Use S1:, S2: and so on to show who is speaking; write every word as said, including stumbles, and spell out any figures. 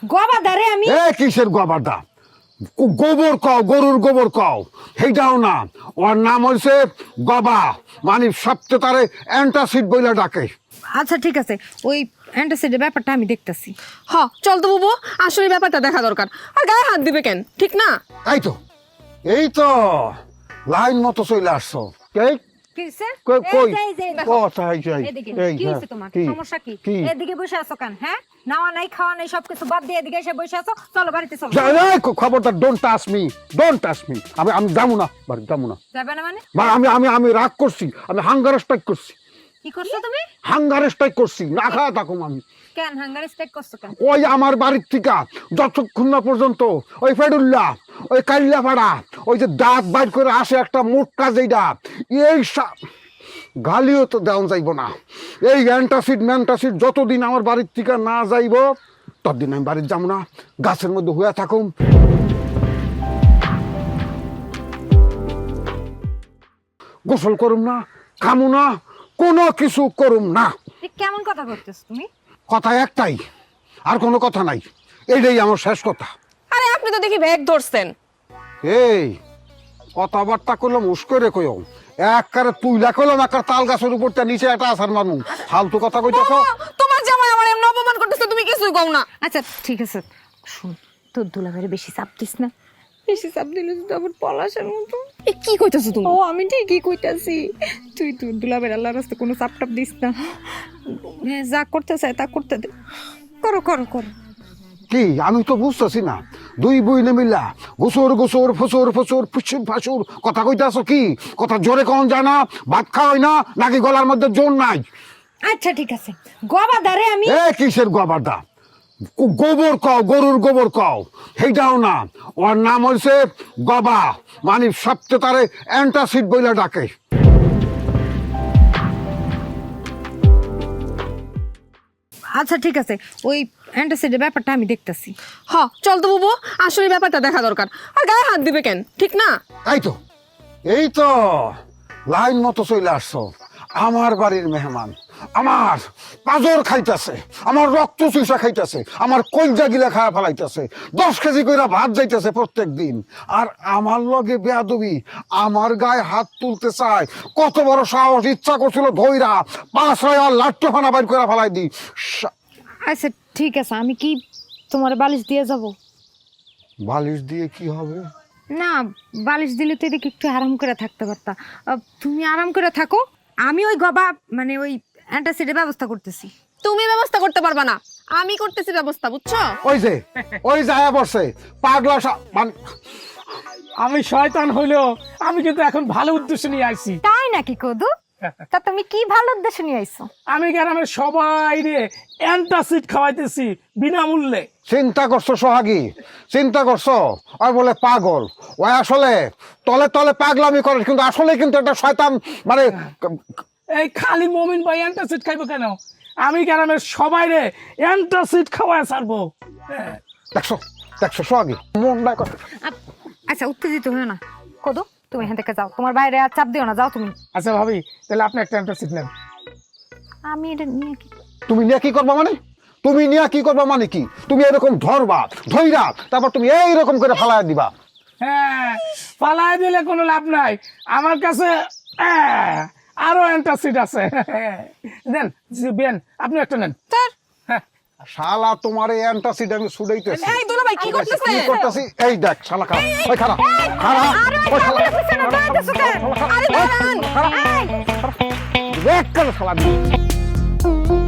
S1: গবাদারে আমি
S2: এ কিসের গবাদা? গোবর কও, গরুর গোবর কও, সেইটাও না। ওর নাম হইছে গবা, মানে সবচেয়ে তারে অ্যান্টাসিড বইলা ডাকে।
S1: আচ্ছা ঠিক আছে, ওই অ্যান্টাসিডের ব্যাপারটা আমি দেখতাছি।
S3: হ চল তো বুবু, আসলে ব্যাপারটা দেখা দরকার। আর গায়ে হাত দিবে কেন, ঠিক না?
S2: এই তো এই তো লাইন মতো চলে আসছো। এই
S1: কি হইছে?
S2: কই কই
S1: এই যে, এই যে, এই দেখো।
S2: কথা হইছে
S1: এদিকে
S2: এই
S1: কি
S2: হ্যাঁ,
S1: হইছে তোমার?
S2: কি?
S1: সমস্যা কি?
S2: কি?
S1: এদিকে বসে আছো কেন? হ্যাঁ, নাওয়া নাই খাওয়া নাই সবকিছু বাদ দিয়ে এদিকে এসে বসে আছো। চলো বাড়িতে চলো।
S2: যা, এই, খবরদার don't touch me, don't touch me. আমি আমি যাবো না, বাড়ি যাবো না।
S1: যাবে না মানে?
S2: বা আমি আমি আমি রাগ করছি, আমি হাঙ্গার স্ট্রাইক করছি,
S1: কি করছো তুমি?
S2: হাঙ্গার স্ট্রাইক করছি, না খাওয়া থাকুম আমি।
S1: কেন হাঙ্গার স্ট্রাইক করছো কেন?
S2: ওই আমার বাড়ির থেকে যতক্ষণ না পর্যন্ত ওই ফেডুল্লা, ওই কাল্লাপাড়া, ওই যে দাঁত বাইর করে আসে একটা মোটকা যেইটা, এই সা- গালিও তো দেওয়া যাইব না। এই অ্যান্টাসিড ম্যান্টাসিড যতদিন আমার বাড়ির থেকে না যাইব ততদিন আমি বাড়ির যাবো না। গাছের মধ্যে হয়ে থাকুম, গোসল করুম না, খামু না, কোনো কিছু করুম না।
S1: এ কেমন কথা করতেছো তুমি?
S2: কথা একটাই, আর কোনো কথা নাই, এইটাই আমার শেষ কথা।
S3: আরে আপনি তো দেখি ব্যাগ ধরছেন।
S2: এই কথাবার্তা করলাম উস করে কইও, একবারে তুইলা কইলাম একটা তাল গাছের উপরটা নিচে একটা আসার মানু ফালতু কথা কইতেছ।
S3: বাবা, তোমার জামাই আমার এমন অপমান করতেছে, তুমি কিছুই কও না।
S1: আচ্ছা ঠিক আছে, শুন, তোর দুলাভাইরে বেশি চাপ দিস না। বেশি চাপ দিলে তো আবার পলাশের মতো।
S3: এ কি কইতাছো তুমি?
S1: ও আমি ঠিকই কইতাছি, তুই তোর দুলাভাইয়ের আল্লাহর রাস্তায় কোনো চাপ টাপ দিস না। হ্যাঁ, যা করতে চায় তা করতে দে, করো করো করো।
S2: কি আমি তো বুঝতেছি না, দুই বইনে মিলা গোসর গোসর ফসর ফসর ফুসুর ফাসুর কথা কইতাছ কি? কথা জোরে কখন যায় না? ভাত খাওয়াই না নাকি গলার মধ্যে জোর নাই?
S1: আচ্ছা ঠিক আছে, গবাদারে আমি
S2: এ কিসের গবাদা? গোবর কও, গরুর গোবর কও, সেইটাও না। ওর নাম হইছে গবা, মানে সবচেয়ে তারে অ্যান্টাসিড বইলা ডাকে।
S1: আচ্ছা ঠিক আছে, ওই অ্যান্টাসিডের ব্যাপারটা আমি দেখতাছি।
S3: হ চল তো বুবু, আসলে ব্যাপারটা দেখা দরকার। আর গায়ে হাত দিবে কেন, ঠিক না?
S2: এই তো এই তো লাইন মতো চলে আসছো। আমার বাড়ির মেহমান, আমার পাজর খাইতেছে, আমার রক্ত চুষা খাইতেছে, আমার কলজা গিলা খাওয়া ফেলাইতেছে, দশ কেজি করে ভাত যাইতেছে প্রত্যেক দিন, আর আমার লগে বেয়াদবি, আমার গায়ে হাত তুলতে চায়। কত বড় সাহস! ইচ্ছা করছিল ধইরা পাঁচ হয় আর লাট্টু ফানা বাইর করে ফেলাই দিই। সা-
S1: আচ্ছা ঠিক আছে, আমি কি তোমার বালিশ দিয়ে যাব?
S2: বালিশ দিয়ে কি হবে?
S1: না, বালিশ দিলে তো এদিকে একটু আরাম করে থাকতে পারতা। আহ, তুমি আরাম করে থাকো, আমি ওই গবা মানে ওই অ্যান্টাসিডের ব্যবস্থা করতেছি।
S3: তুমি ব্যবস্থা করতে পারবা না, আমি করতেছি ব্যবস্থা, বুঝছো?
S2: ওই যে ওই যায় বসে পাগলা সা- মান-
S4: আমি শয়তান হইলেও আমি কিন্তু এখন ভালো উদ্দেশ্য নিয়ে আসছি।
S1: তাই নাকি কদু? তা তুমি কি ভালো উদ্দেশ্য নিয়ে আইছো?
S4: আমি গ্রামের সবাই রে অ্যান্টাসিড খাওয়াইতেছি বিনামূল্যে।
S2: চিন্তা করছো সোহাগী, চিন্তা করছো? আর বলে পাগল, ও আসলে তলে তলে পাগলামি করে, কিন্তু আসলে কিন্তু একটা শয়তান। মানে
S4: এই খালি মমিন ভাই অ্যান্টাসিড খাইবো কেন? আমি গ্রামের সবাই রে অ্যান্টাসিড খাওয়াই ছাড়বো। হ্যাঁ।
S2: দেখছো দেখছো সোহাগী মনটা করে।
S1: আপ- আচ্ছা উত্তেজিত হয়েও না কদু, তুমি এখান থেকে যাও, তোমার বাইরে আর চাপ দিও না, যাও তুমি।
S4: আচ্ছা ভাবি, তাহলে আপনি একটা অ্যান্টাসিড নেন।
S1: আমি এটা নিয়ে কি
S2: তুমি নিয়ে কি করবা মানে? তুমি নিয়ে কি করবা মানে কি? তুমি এরকম ধরবা, ধইরা তারপর তুমি এইরকম করে ফালায় দিবা।
S4: হ্যাঁ, পালায় দিলে কোনো লাভ নাই। আমার কাছে আহ, আরো অ্যান্টাসিড আছে। দেন বেন, আপনি একটা নেন।
S3: তার
S2: শালা তোমার এই অ্যান্টাসিড আমি ছুড়াইতেছি।
S3: এই দুলা ভাই কি
S2: কি
S3: করতেছেন?
S2: করতেছি? এই দেখ শালা খারাপ, ওই খারাপ খারাপ, ওই শালা
S3: আরে দাঁড়ান।
S2: দেখ কেন শালা